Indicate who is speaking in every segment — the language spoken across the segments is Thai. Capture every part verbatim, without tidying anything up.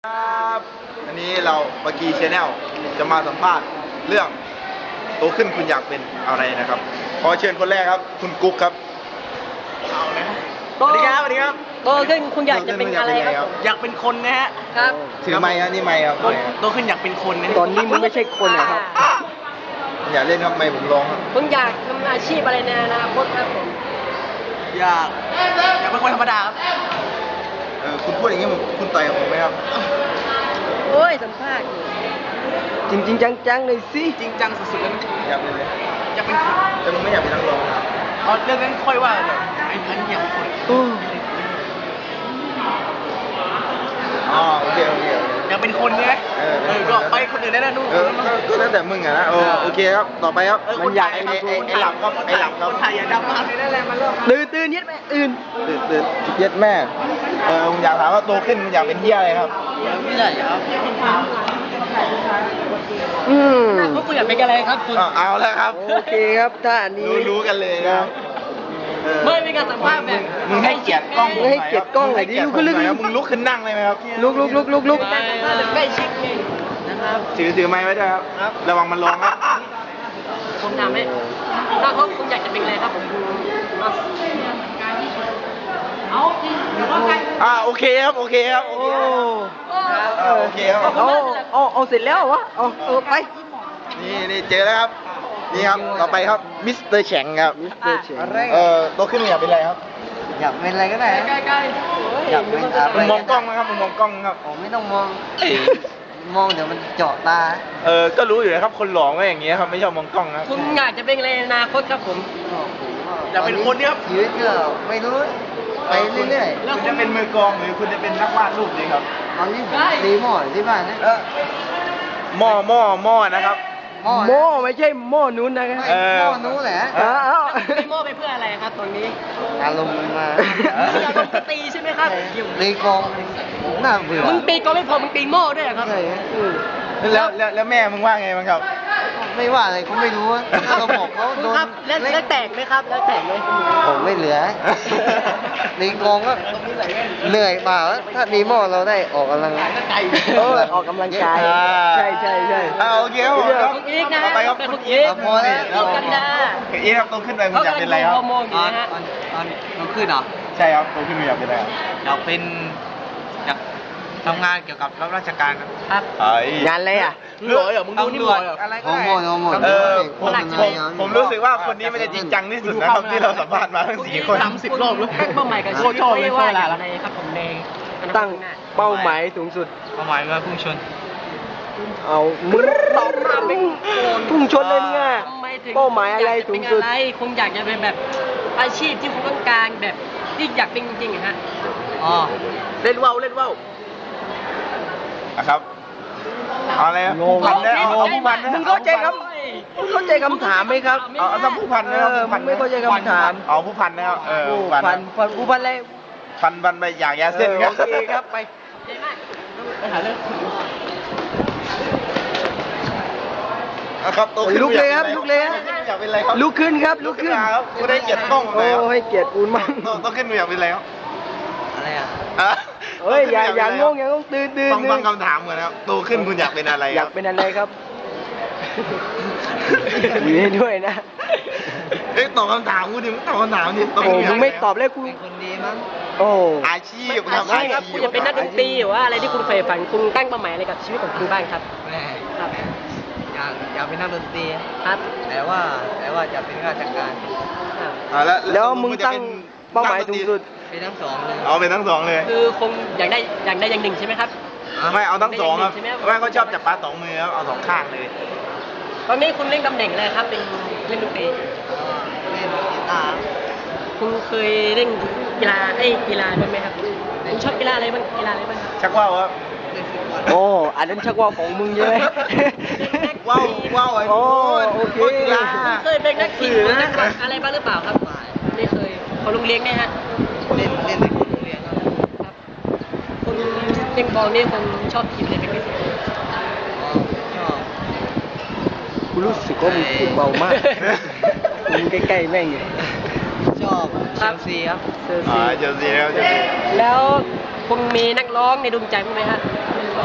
Speaker 1: ครับอันนี้เราปากีชาแนลจะมาสัมภาษณ์เรื่องโตขึ้นคุณอยากเป็นอะไรนะครับขอเชิญคนแรกครับคุณกุ๊กครับเอาเลยสวัสดีครับสวัสดีครับ
Speaker 2: โตขึ้นคุณอยากจะเป็นอะไรครับ
Speaker 3: อยากเป็นคนนะฮะ
Speaker 2: ครับ
Speaker 1: ถือไม้ครับนี่ไม้ครับ
Speaker 3: โตขึ้นอยากเป็นคนนะ
Speaker 2: ตอนนี้มึงไม่ใช่คนนะครับ
Speaker 1: อย่าเล่นครับไม้ผมร้องครับ
Speaker 2: คุณอยากทำอาชีพอะไรในอนาคตครับผม
Speaker 3: อยากอยากเป็นคนธรรมดาครับ
Speaker 1: เออคุณพูดอย่างนี้คุณต่อยกับผมไหมครับ
Speaker 2: โอ้ยสัมภาษณ์อยู่จริงจริงจังๆเลยสิ
Speaker 3: จริงจังสุดๆเลยนะ
Speaker 1: อยากเป็นเลย
Speaker 3: อยากเป็นคน
Speaker 1: แต่มึงไม่อยากเป็นนักร้องครับ
Speaker 3: เอาเรื่องนั้นค่อยว่าเลยไอ้พันอยากเป็นคน
Speaker 1: อ๋อโอเคโอเคโอเค
Speaker 3: อยากเป็นคนไง
Speaker 1: เออ
Speaker 3: เออก็ไปคนอื่นได้นะนู่น
Speaker 1: เออก็แล้วแต่มึงอะนะโอโอเคครับต่อไปครับ
Speaker 3: มันอยาก
Speaker 1: ไอ้ไอ้ไอ้หลับครับไอ้หลับครับ
Speaker 3: คนไทยอย่าดำมากเลยนั่นแหละมันเริ่ม
Speaker 2: ตื่นตื่นเย็ดแม่ตื่น
Speaker 1: ตื่นตื่นเย็ดแม่เออมึงอยากถามว่าโตขึ้นมึงอยากเป็นเหี้ยอะไรครับ
Speaker 3: ไม่ได้ครับ
Speaker 2: อืมพวกคุณอยากเป็นอะไรครับคุณ
Speaker 1: เอาเอาแล้วครับ
Speaker 2: โอเคครับถ้าอันนี้
Speaker 1: รู้รู้กันเลยนะครับเออ
Speaker 2: ไม่มีการสัมภาษณ์แบบ
Speaker 1: มึงให้เกียรติกล้อง
Speaker 2: มึงให้เกียรติกล้องหน่อยดิลุกขึ้นลุกขึ้น
Speaker 1: มึงลุกขึ้นนั่งเลยไหมครับ
Speaker 2: ลุกลุกลุกลุกลุกใกล้ชิดนะครับ
Speaker 1: ถือถือไม้ไว้ด้วยครับระวังมันร้องครับ
Speaker 2: ผมถามให้ถ้าเขาคุณอยากจะเป็นอะไรครับผมเอาจริงหรือว่าไง
Speaker 1: อ่าโอเคครับโอเคครับโอเคครับอ่าโอเคครับ
Speaker 2: เอาเอาเอาเสร็จแล้ววะเอาเออไป
Speaker 1: นี่นี่เจอแล้วครับนี่ครับต่อไปครับมิสเตอร์แฉงครับ
Speaker 2: อะไร
Speaker 1: เออโตขึ้นมึงอยากเป็นอะไรครับ
Speaker 4: อยากเป็นอะไรก็ได้นะ
Speaker 2: ใกล้ใกล้
Speaker 4: อยากเป็นอะไร
Speaker 1: มึงมองกล้องนะครับมึงมองกล้องครับ
Speaker 4: ผมไม่ต้องมอง มองเดี๋ยวมันเจาะตา
Speaker 1: เออก็รู้อยู่นะครับคนหลอกก็อย่างเงี้ยครับไม่ชอบมองกล้องครับ
Speaker 2: คุณอยากจะเป็นอะไรในอนาคตครับผม
Speaker 3: อยากเป็นคนเนี่ยครับ
Speaker 4: ชีวิตก็ไม่รู้ ไปเรื่อย
Speaker 1: คุณจะเป็นมือกลองหรือคุณจะเป็นนักวาดรูปดีครับ
Speaker 4: ๆตอนนี้ผมตีหม้ออยู่ที่บ้านนะ
Speaker 1: เออหม้อหม้อหม้อนะครับ
Speaker 4: หม้อ
Speaker 2: โม่ไม่ใช่โม่นู้นนะค
Speaker 4: ไม่
Speaker 2: รับ
Speaker 1: เออ
Speaker 4: หม้อนู้นแหละ
Speaker 2: เอาเอาโม่ไปเพื่ออะไรครับตรงนี้
Speaker 4: อารมณ์มันมา
Speaker 2: อยากลงตีใช่ไหมครับ
Speaker 4: ตีกลองน่าเบื่อ
Speaker 2: มึงตีก็ไม่พอมึงตีโม่ด้วยเหรอครับ
Speaker 4: ใช่ฮะ
Speaker 2: อืม
Speaker 1: แล้วแล้วแล้วแม่มึงว่าไงบ้างครับ
Speaker 4: ไม่ว่าอะไรเขาไม่รู้อะถ้าเราบอกเขาโดน
Speaker 2: ครับแล้วแล้วแตกไหมครับ แล้วแตกไหม
Speaker 4: ผมไม่เหลือตีกลองก็เหนื่อยเปล่าถ้าตีหม้อเราได้ออกกำลัง
Speaker 2: เออออกกำลังกาย
Speaker 1: อ่า
Speaker 2: ใช่ใช่ใช่
Speaker 1: อ่าโอเคครับผมครับ
Speaker 2: คุณอีกนะ
Speaker 1: ต่อไปครับ
Speaker 2: เป็น
Speaker 1: คุ
Speaker 2: คุณ ณ
Speaker 1: อี
Speaker 2: อี
Speaker 1: ก
Speaker 2: ก
Speaker 4: พอแล้ว
Speaker 2: อีกกันดา
Speaker 1: คุณอีกครับโตขึ้นไปคุณอยากเป็นอะไรครับ
Speaker 2: ฮอร์โมนอยู่นะฮะ
Speaker 3: ตอนตอนต้องขึ้นเหรอ
Speaker 1: ใช่ครับโตขึ้นคุณอยากเป็นอะไรครับ
Speaker 3: อยากเป็นอยากทำงานเกี่ยวกับรับราชการครับ
Speaker 2: ครับ
Speaker 1: ไอ้
Speaker 2: งานอะไรอ่ะ
Speaker 3: หล่อเหรอมึงดูนี่หล่อเหรอ
Speaker 4: ฮอร์โมนฮอร์โมน
Speaker 1: เออผม
Speaker 2: หลัก
Speaker 1: ผ
Speaker 2: ใช่
Speaker 1: มผมรู้สึกว่าคนนี้มันจะจริงจังที่สุดนะครับที่เราสัมภาษณ์มาทั้งสี่คน
Speaker 3: สามสิบรอบแล้ว
Speaker 2: ตั้งเป้าหมายกับชีวิต
Speaker 3: โคตรชอบเลย
Speaker 2: ไว้ว่า
Speaker 3: เวลา
Speaker 2: อ
Speaker 3: ละ
Speaker 2: ย่างไรครับผมในอนาคต
Speaker 5: ตั้ง
Speaker 2: ข้างหน้า
Speaker 5: เป้าหมายสูงสุด
Speaker 3: เป้าหมายว่าพุ่งชน
Speaker 5: เอามึงตอบมาไม่พุ่งชนเลยมึงอ่ะ
Speaker 2: ทำไมถึง
Speaker 5: เป้าหมายอะไร
Speaker 2: ยกจ
Speaker 5: สู
Speaker 2: เป็
Speaker 5: ง
Speaker 2: น
Speaker 5: สุด
Speaker 2: อะไรคงอยากจะเป็นแบบอาชีพที่คุณต้องการแบบที่อยากเป็นจริงๆอะฮะ
Speaker 3: อ๋อ
Speaker 5: เล่นว่าวเล่นว่าว
Speaker 1: นะครับเอาอะไรครับผู้พันนะเอาเอาผู้พันนะ
Speaker 5: มึงเข้าใจครับ มึงเข้าใจคำถามไหมครับ
Speaker 1: เอาเอาถ้าผู้พันนะครับ
Speaker 5: เออ
Speaker 1: ผู้พัน
Speaker 5: มึงไม่เข้าใจคำถาม
Speaker 1: เอาผู้พันนะครับเออ
Speaker 5: ผู้
Speaker 1: ผู้พัน
Speaker 5: พันพันผู้พันอะไร
Speaker 1: พันพันไปอย่างยาเส้น
Speaker 5: ออ
Speaker 1: ครับ
Speaker 5: โอเคครับไป
Speaker 2: ใช่ไหม
Speaker 3: ไปหาเรื่อง
Speaker 1: นะครับโตขึ้น
Speaker 5: ลุกเลยครับลุกเลยครับ
Speaker 1: อยากเป็นอะไรครับ
Speaker 5: ลุกขึ้นครับลุกขึ้น
Speaker 1: ครับกูได้เกียรติกล้อง
Speaker 5: โอ้
Speaker 1: แล้ว
Speaker 5: ให้เกียรติปูนมาก
Speaker 1: โตขึ้นมึงอยากเป็นอะไรครับ
Speaker 3: อะไรอ่ะ
Speaker 1: อ่ะ
Speaker 5: เฮ้ยอย่าอย่างงง
Speaker 1: อ
Speaker 5: อย่างงงตื่นตื่น
Speaker 1: ฟัง
Speaker 5: ตื่
Speaker 1: ฟัง
Speaker 5: น
Speaker 1: คำถามก่อนนะครับโตขึ้นคุณอยากเป็นอะไร
Speaker 5: อ
Speaker 1: ค
Speaker 5: ยา
Speaker 1: รั
Speaker 5: ก
Speaker 1: บ
Speaker 5: เป็นอะไรครับอยู่ให้ด้วยนะ
Speaker 1: เอ้ยตอบคำถามกูดิมึงตอบคำถามดิโต
Speaker 5: โอ้
Speaker 1: ขึ้นยาก
Speaker 5: มึงไม่ตอบเลยกู
Speaker 4: เป็นคนดีมั้ง
Speaker 5: โอ้
Speaker 1: อาชีพ
Speaker 2: อาชีพครับคุณจะเป็นนักดนตรีหรือว่าอะไรที่คุณใฝ่ฝันคุณตั้งเป้าหมายอะไรกับชีวิตของคุณบ้างครับ
Speaker 4: แม่
Speaker 2: ครับ
Speaker 4: อยากอยากเป็นนักดนตรี
Speaker 2: ครับ
Speaker 4: แต่ว่าแต่ว่าจะเป็นราชการ
Speaker 2: ครับ
Speaker 1: อ่าแล้ว
Speaker 5: แล้วมึงตั้งเป้าหมายสูงสุด
Speaker 4: เป็นทั้งสองเลย
Speaker 1: เอาเป็นทั้งสองเลย
Speaker 2: คือคงอยากได้อย่างใดอย่างหนึ่งใช่ไหมครับ
Speaker 1: ไม่เอาทั้งสองครับ
Speaker 2: ใช่ไหมครับ
Speaker 1: ไม่เขาชอบจับปลาสองมือครับเอาสองข้างเลย
Speaker 2: ตอนนี้คุณเล่นตำแหน่งอะไรครับเป็นเล่นดนตรี
Speaker 4: เล่นกีตาร์
Speaker 2: คุณเคยเล่นกีฬาเอ้ยกีฬาด้วยไหมครับคุณชอบกีฬาอะไรบ้างกีฬาอะไรบ้างครับ
Speaker 1: ชักว่าวครับ
Speaker 4: เล่นฟุตบอล
Speaker 5: โอ้ อันนั้นชักว่าของมึงเยอะ
Speaker 1: ว่าวว่าวไอ้
Speaker 5: โอ้
Speaker 1: พูด
Speaker 5: โอเค
Speaker 1: พูดกีฬา
Speaker 2: คุณเคยเป็นนักขี่หรือนักขับอะไรบ้างหรือเปล่าครับไม่เคยเขาลุงเลี้ยงเนี่ยฮะ
Speaker 4: เล่นเล่นในโรงเรียนครับ
Speaker 2: ครับคุณเล่นบอลนี่คุณชอบทีมอะไรเป็นพิเศษ
Speaker 4: อ๋อชอบ
Speaker 5: กูรู้สึกว่ามึงพูดเบามากมึงใกล้ๆแม่งอยู่
Speaker 4: ชอบเชลซีครับ
Speaker 5: เซอร์
Speaker 1: อ่า
Speaker 5: ซี
Speaker 1: เจอซีแล้วเจอซี
Speaker 2: แล้วคุณมีนักร้องในดวงใจบ้างไหมฮะ
Speaker 4: ก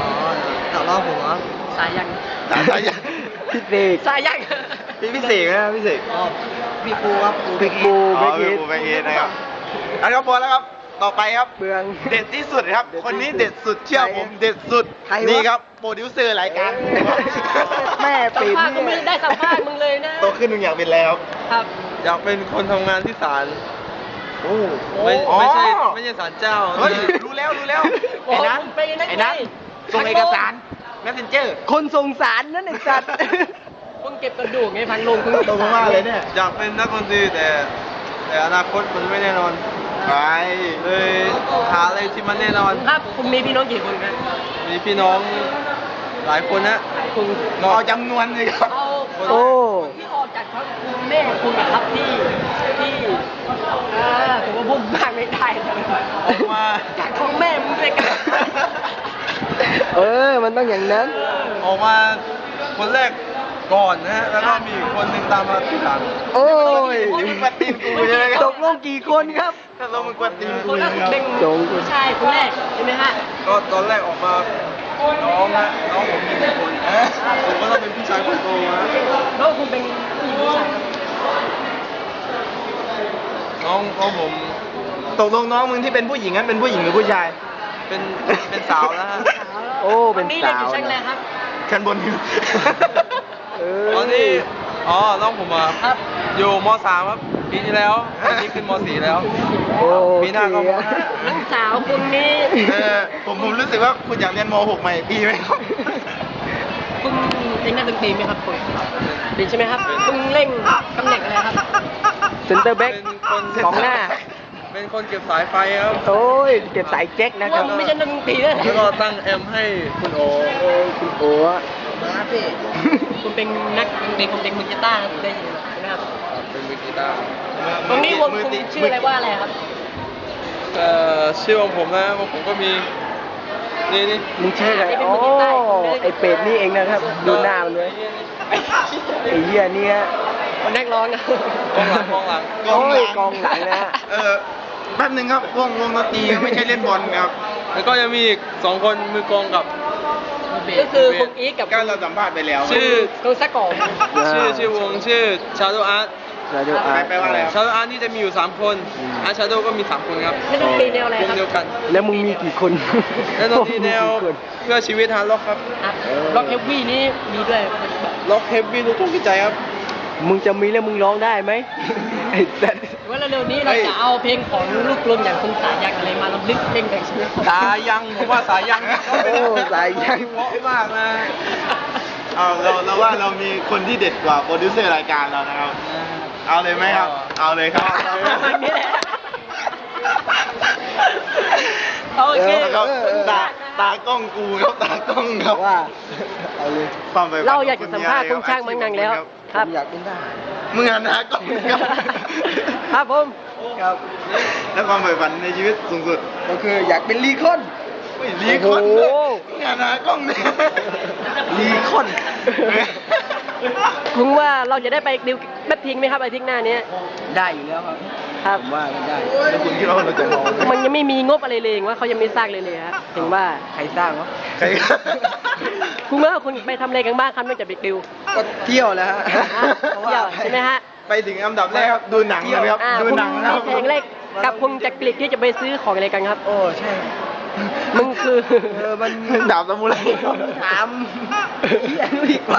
Speaker 2: สายยัง
Speaker 1: สายสายยัง
Speaker 5: พี่เสก
Speaker 2: สายยัง
Speaker 1: พี่พี่เสกนะพี่เสก
Speaker 4: พี่ปูครับปู
Speaker 5: พี่ปู
Speaker 1: อ๋อ
Speaker 5: แบ็ค
Speaker 1: พี่
Speaker 5: เฮด
Speaker 1: ปูแบงค์เฮดนะครับอันครับพอแล้วครับต่อไปครับ
Speaker 5: เบือง
Speaker 1: เด็ดที่สุดครับ คนนี้เด็ดสุดเชื่อผมเด็ดสุด
Speaker 5: ใครวะ
Speaker 1: นี่ครับโปรดิวเซอร์รายการ
Speaker 5: แม่
Speaker 2: สัม
Speaker 5: ปิ่น
Speaker 2: ภาษณ์ก็ไม่ได้สัมภาษณ์มึงเลยนะ
Speaker 1: โตขึ้นมึงอยากเป็นอะไรครับ
Speaker 2: ครับ
Speaker 3: อยากเป็นคนทำงานที่ศาล
Speaker 1: โอ้
Speaker 3: ไม่ไม่ใช่
Speaker 1: อ๋อ
Speaker 3: ไม่ใช่ศาลเจ้า
Speaker 1: เฮ้ยรู้แล้วรู้แล้ว
Speaker 2: โอ้
Speaker 1: ไอ้นั้น
Speaker 2: เป็นไง
Speaker 1: ไอ้นั้น
Speaker 2: ไง
Speaker 1: ส่งเอกสารแมสเซนเจอร์
Speaker 5: คนส่งสารนั่นไอ้สัตว์
Speaker 2: มึงเก็บกระดูกไงพันลงมึง
Speaker 1: ตรงมากเลยเนี่ย
Speaker 3: อยากเป็นนักดนตรีแต่ แต่อนาคตมันไม่แน่นอน
Speaker 1: ไป
Speaker 3: เลยหาอะไรที่มันแน่นอน
Speaker 2: ครับคุณมีพี่น้องกี่คนครับ
Speaker 3: มีพี่น้องหลายคนนะ
Speaker 2: คุณ
Speaker 1: เอาจำนวนเลยครับ
Speaker 2: เอา
Speaker 5: โอ้
Speaker 2: ที่ออกจากท้องคุณแม่คุณกับครับที่ที่อ่าผมว่าพูดมากไม่ได้เลย
Speaker 3: ออกมา
Speaker 2: จากท้องแม่มึงด้วยกัน
Speaker 5: เออ มันต้องอย่างนั้น
Speaker 3: ออกมาคนแรกก่อนนะฮะแล้วก็มีอีกคนหนึ่งตามมาทีหลัง
Speaker 5: โอ้ย
Speaker 1: นี่มึงกวนตีนกูใช่ไหมครับ
Speaker 5: ตกลงกี่คนครับ
Speaker 1: ถ้าเรามึงกวนตีน
Speaker 2: ค
Speaker 1: กู
Speaker 2: นแร
Speaker 1: ใช่
Speaker 2: ก
Speaker 1: ไหมครับ
Speaker 2: เป็น
Speaker 5: จง
Speaker 2: ผู้ชายคนแรกใช่ไหมฮะ
Speaker 3: ก็ตอนแรกออกมาน้องนะน้องผมมีหนึ่งคนผมก็ต้องเป็นพี่ชายคนโตนะ
Speaker 2: แล้วคุณเป็นผู้หญิงผู้ชายครับ
Speaker 3: น้องน้องผม
Speaker 1: ตกลงน้องมึงที่เป็นผู้หญิงนั้นเป็นผู้หญิงหรือผู้ชาย
Speaker 3: เป็นเป็นสาวแล้วฮะ
Speaker 5: โอ้เป็น
Speaker 2: นี่
Speaker 5: สาว
Speaker 2: เรียนอยู่ชั้นอะไรครับ
Speaker 1: ชั้นบนอยู่
Speaker 5: เออ
Speaker 3: ตอนนี้อ๋อน้องผมอ่ะ
Speaker 2: ครับ
Speaker 3: อยู่มสามครับปีที่แล้วปีนี้ขึ้นมสี่แล้ว
Speaker 5: โอ้
Speaker 3: ปีหน้าก็ม
Speaker 2: น้องสาวคุณนี่
Speaker 1: เออผมผมรู้สึกว่าคุณอยากเรียนม .หก ใหม่อีกปีไหมครับ
Speaker 2: คุณเล่นนักดนตรีไหมครับคุณเป็นใช่ไหมครับคุณเล่นตำแหน่งอะไรครับ
Speaker 5: เซนเตอร์แบ็ก
Speaker 3: เป็นคน
Speaker 5: กองหน้า
Speaker 3: เป็นคนเก็บสายไฟครับ
Speaker 5: โอ้ย เก็บสายแจ็คนะค
Speaker 2: ว่า
Speaker 5: รับ
Speaker 2: มึงไม่ใช่นักดนตรีนะ
Speaker 3: แล้วก็ตั้งแอมให้คุณโอ
Speaker 5: โอ้ยคุณโอ้อะ
Speaker 2: คุณเป็นนักดนตรีคุณเป็นมือกีตาร์ครับได้ยินไหมครับ
Speaker 3: เป็นมือกีตาร์
Speaker 2: ตรงนี้วงคุณชื่ออะไรว่าอะไรครับ
Speaker 3: เอ่อชื่อของผมนะของผมก็มีนี่นี่
Speaker 5: มึงชื่ออะไรโอ้ไอเป็ดนี่เองนะครับ ดูหน้ามันด้วยไอเหี้ยเนี่ย
Speaker 2: คนนักร้องนะ
Speaker 3: กองหลังกองหลัง
Speaker 5: โอ้ยกองหลังนะฮะ
Speaker 1: เออแป๊บหนึงครับวงวงดนตรีไม่ใช่เล่นบอลครับ
Speaker 3: แล้วก็ยังมีอีกสองคนมือกลองกับ
Speaker 2: ก็คือคุณอีกกับ
Speaker 1: ก็เราสัมภาษณ์ไปแล้ว
Speaker 3: ชื่อ
Speaker 2: คุณสะกอบ
Speaker 3: ชื่อชื่อวงชื่อ Shadow Art
Speaker 5: เราดูอาร์ต
Speaker 1: แปลว่าอะไรครับ
Speaker 3: Shadow Art นี่จะมีอยู่สามคน
Speaker 5: อืม
Speaker 3: Art Shadow ก็มีสามคนครับ
Speaker 2: นักดนตรีแนวอะไร
Speaker 3: ว
Speaker 2: ค
Speaker 3: ง
Speaker 2: รับ
Speaker 3: เดียวกัน
Speaker 5: แล้วมึงมีกี่คน
Speaker 3: และดนตรีแนว
Speaker 5: มีกี่คน
Speaker 3: เพื่อชีวิตฮาร์ดร็อกครับ
Speaker 2: ครับล็อกเฮฟวี่นี่มีด้วย
Speaker 3: ร็อกเฮฟวี่ลูกทุ่งกิจใจครับ
Speaker 5: มึงจะมีแล้วมึงร้องได้ไหมไอ้สัส
Speaker 2: ว่าเร็วๆนี้เราจะเอาเพลงของลูกกลอนอย่างคุณสายันอะไรมาลำลึกเพลงแบ่งชีวิต
Speaker 3: สายังผมว่าสายัง
Speaker 5: โอ้สายยัง
Speaker 3: เพราะมากนะ
Speaker 1: เอาเราเราว่าเรามีคนที่เด็ดกว่าโปรดิวเซอร์รายการเรานะครับ เอาเลยไหมครับ เอาเลยครับ
Speaker 2: อย่างนี้แหละโอเค
Speaker 1: ครับตาตากล้องกูครับตากล้องครับ
Speaker 5: ว่าเอาเลย
Speaker 1: ความใฝ่ฝัน
Speaker 2: เราอยากจะสัมภาษณ์คุณช่างมังนังแล้ว
Speaker 5: ผ
Speaker 2: ครับ
Speaker 5: มอยากเป็นทหาร
Speaker 1: มึงอ่านตากล้องครับ
Speaker 2: ครับผม
Speaker 5: ครับ
Speaker 1: แล้วความใฝ่ฝันในชีวิตสูงสุด
Speaker 5: ก็คืออยากเป็นลีคอน
Speaker 1: อุ้ยลีคอน
Speaker 5: โอ้
Speaker 1: ด้วย
Speaker 5: โห
Speaker 1: มึงอ่านตากล้องเนี่ย
Speaker 5: ลีคอน
Speaker 2: คุณว่าเราจะได้ไปดิวแป๊บทิ้งไหมครับอาทิตย์หน้านี้
Speaker 5: ได้อยู่แล้วครับ
Speaker 2: ครับ
Speaker 5: ผมว่ามันได้
Speaker 1: แล้วคุณคิดว่าเราจะมองไหม
Speaker 2: มันยังไม่มีงบอะไรเลยว่าเขายังไม่สร้างเลยเลยครับถึงว่า
Speaker 5: ใครสร้างวะ
Speaker 1: ใคร
Speaker 2: คุณว่าคุณไปทำอะไรกันบ้างครับนอกจากไปดิว
Speaker 5: ก็เที่ยวแล้วฮะ
Speaker 2: เที่ยวใช่ไหมฮะ
Speaker 1: ไปถึงอันดับแรกครับดูหนังเลยครับ
Speaker 2: อ่า
Speaker 1: ดู
Speaker 2: คุณ
Speaker 1: หนัง
Speaker 2: มี
Speaker 1: นะครับ
Speaker 2: เพลงแรกกับคุณจักริดที่จะไปซื้อของอะไรกันครับ
Speaker 5: โอ้ใช่
Speaker 2: มึงคือ
Speaker 5: เออมัน
Speaker 1: ดาบซามูไรครับ
Speaker 5: ถามเหี้ยนู่นดีกว่า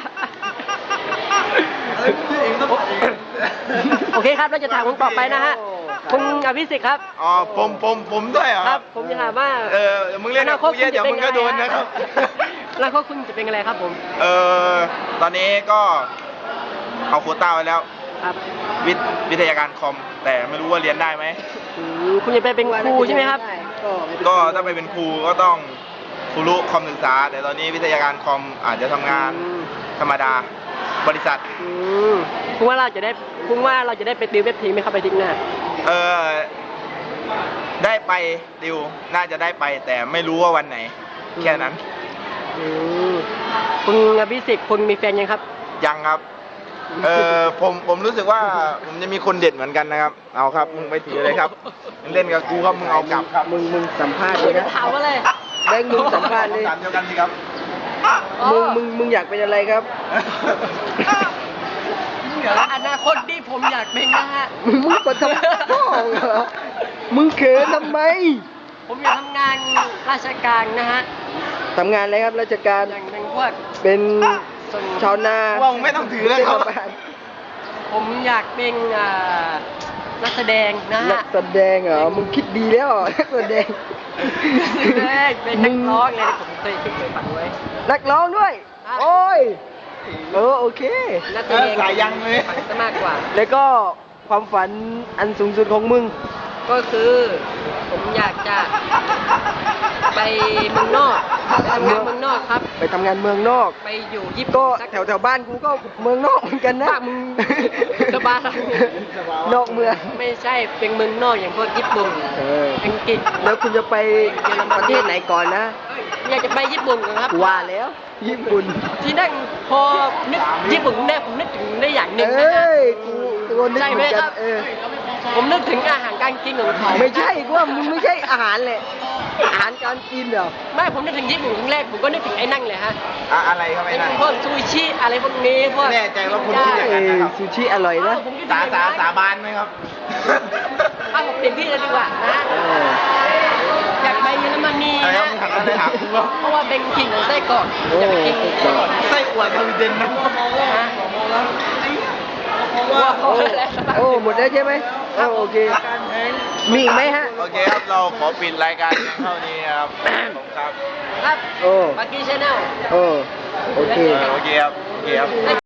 Speaker 2: โอเคครับเราจะถามคุณต่อไปนะฮะ คุณอภิสิทธิ์ครับ
Speaker 1: อ๋อผมผมผมด้วยเหรอ
Speaker 2: ครับ ผมจะถามว่า
Speaker 1: เออมึงเล่นกับกูเยอะเดี๋ยวมึงก็โดนนะครับ
Speaker 2: แล้วก็คุณจะเป็นอะไรครับผม
Speaker 1: เออตอนนี้ก็เอาโควต้าไว้แล้ว
Speaker 2: ครับ
Speaker 1: วิทย์วิทยาการคอม แต่ไม่รู้ว่าเรียนได้ไหม
Speaker 2: อืมคุณจะไปเป็นครูใช่ไหมครับ
Speaker 1: ก็ถ้าไปเป็นครูก็ต้องครูรู้คอมศึกษา แต่ตอนนี้วิทยาการคอมอาจจะทำงาน
Speaker 2: อืม
Speaker 1: ธรรมดาบริษัท
Speaker 2: อืมคุณว่าเราจะได้คุณว่าเราจะได้ไปติวเว็บทีมไหมครับไปทิ้งหน้า
Speaker 1: เออได้ไปดิวน่าจะได้ไป แต่ไม่รู้ว่าวันไหน แค่นั้น
Speaker 2: อืมคุณอภิสิทธิ์คุณมีแฟนยังครับ
Speaker 1: ยังครับ เออผมผมรู้สึกว่าผมจะมีคนเด็ดเหมือนกันนะครับ เอาครับ มึงไปถือเลยครับมึงเล่นกับกูครับมึงเอากลับครับ
Speaker 5: มึงมึงสัมภาษณ์เลยนะ
Speaker 2: ถามว่าอะไร
Speaker 5: แบงค์มึงสัมภาษณ์เลย
Speaker 1: ถามเดียวกันสิครับ
Speaker 5: มึงมึงมึงอยากเป็นอะไรครับ
Speaker 2: อนาคตที่ผมอยากเป็นนะฮะ
Speaker 5: มึงมึงกดทำพ่อเหรอมึงเขินทำไม
Speaker 2: ผมอยากทำงานราชการนะฮะ
Speaker 5: ทำงานอะไรครับราชการ
Speaker 2: อย่างเป็นพวก
Speaker 5: เป็นชาวนา
Speaker 1: ว่ามึงไม่ต้องถือแล้วครับ
Speaker 5: เทศบาล
Speaker 2: ผมอยากเป็นอ่านักแสดงนะ
Speaker 5: นั
Speaker 2: ฮะ
Speaker 5: กแสดงเหรอ มึงคิดดีแล้วเหรอนักแสดง
Speaker 2: นักแสดงเป็นนักร้องเลยผมเคยเคยฟังไว้
Speaker 5: นักร้องด้วย
Speaker 2: ครับ
Speaker 5: โอ้ย เออโอเค
Speaker 2: นักแสดง
Speaker 1: สายยังเลย
Speaker 2: ฟังซะมากกว่า
Speaker 5: แล้วก็ความฝันอันสูงสุดของมึง
Speaker 2: ก็คือผมอยากจะไปเมืองนอกไปทำงานเมืองนอกครับ
Speaker 5: ไปทำงานเมืองนอก
Speaker 2: ไปอยู่ญี่
Speaker 5: ก็
Speaker 2: ปุ่นสัก
Speaker 5: แถวแถวๆบ้านกูก็เมืองนอกเหมือนกันนะ
Speaker 2: บ้านมึงสบาย
Speaker 5: นอกเมือง
Speaker 2: ไม่ใช่เป็นเมืองนอกอย่างพวกญี่ปุ่น
Speaker 5: เออ
Speaker 2: อังกฤษ
Speaker 5: แล้วคุณจะไปประเทศไหนก่อนนะ
Speaker 2: อยากจะไปญี่ปุ่นก่อนครับ
Speaker 5: ว่าแล้ว ญี่ปุ่น
Speaker 2: ที่นั่งพอนึกญี่ปุ่นได้ผมนึกถึงได้อย่างหนึ่งนะ
Speaker 5: เอ้
Speaker 2: ฮะ
Speaker 5: ย กูตัวนึก
Speaker 2: ใช่
Speaker 5: เห
Speaker 2: ไหม
Speaker 5: มือนกั
Speaker 2: คน รับ
Speaker 5: เออ
Speaker 2: ผมนึกถึงอาหารการกินของเขา
Speaker 5: ไม่ใช่กูว่ามึงไม่ใช่อาหารแหละ อาหารการกินเหรอ
Speaker 2: ไม่ผมนึกถึงญี่ปุ่นครั้งแรกผมก็นึกถึงไอ้นั่งเลยฮะ
Speaker 1: อะอะไรครับไอ้นั่น
Speaker 2: พวกซูชิอะไรพวกนี้พวก
Speaker 1: แน่ใจว่าคุณคิดอย่างนั้น
Speaker 5: เอ้ย
Speaker 1: นะครับ
Speaker 5: ซูชิอร่อยนะ
Speaker 2: ผมคิด
Speaker 1: สา
Speaker 2: ถึง
Speaker 1: สา
Speaker 2: อย่งนั้น
Speaker 1: สาบานไหมครับ
Speaker 2: เอาผมเป็นพี่เลยดีกว่านะ
Speaker 5: เออ
Speaker 2: อยากไปเยอรมนี
Speaker 1: อะไรครั
Speaker 2: นะ
Speaker 1: บถามอะไรถามกูครับ
Speaker 2: เพราะว่าเป็นกิ่งของไส้กรอกอยากไปกินไส้กรอก
Speaker 1: ไส้อั่วสวีเดนนะ
Speaker 2: ฮะ
Speaker 5: โอ้โอ้หมดแล้วใช่ไหมโอ้โอเค มีอีกไหมฮะ
Speaker 1: โอเคครับ เราขอปิดรายการเพียงเท่านี้ครับผมครับ
Speaker 2: ครับ
Speaker 5: โอ้
Speaker 2: บักกี้ชาแนล
Speaker 5: โอ้โอเค
Speaker 1: โอเคครับ โอเคครับ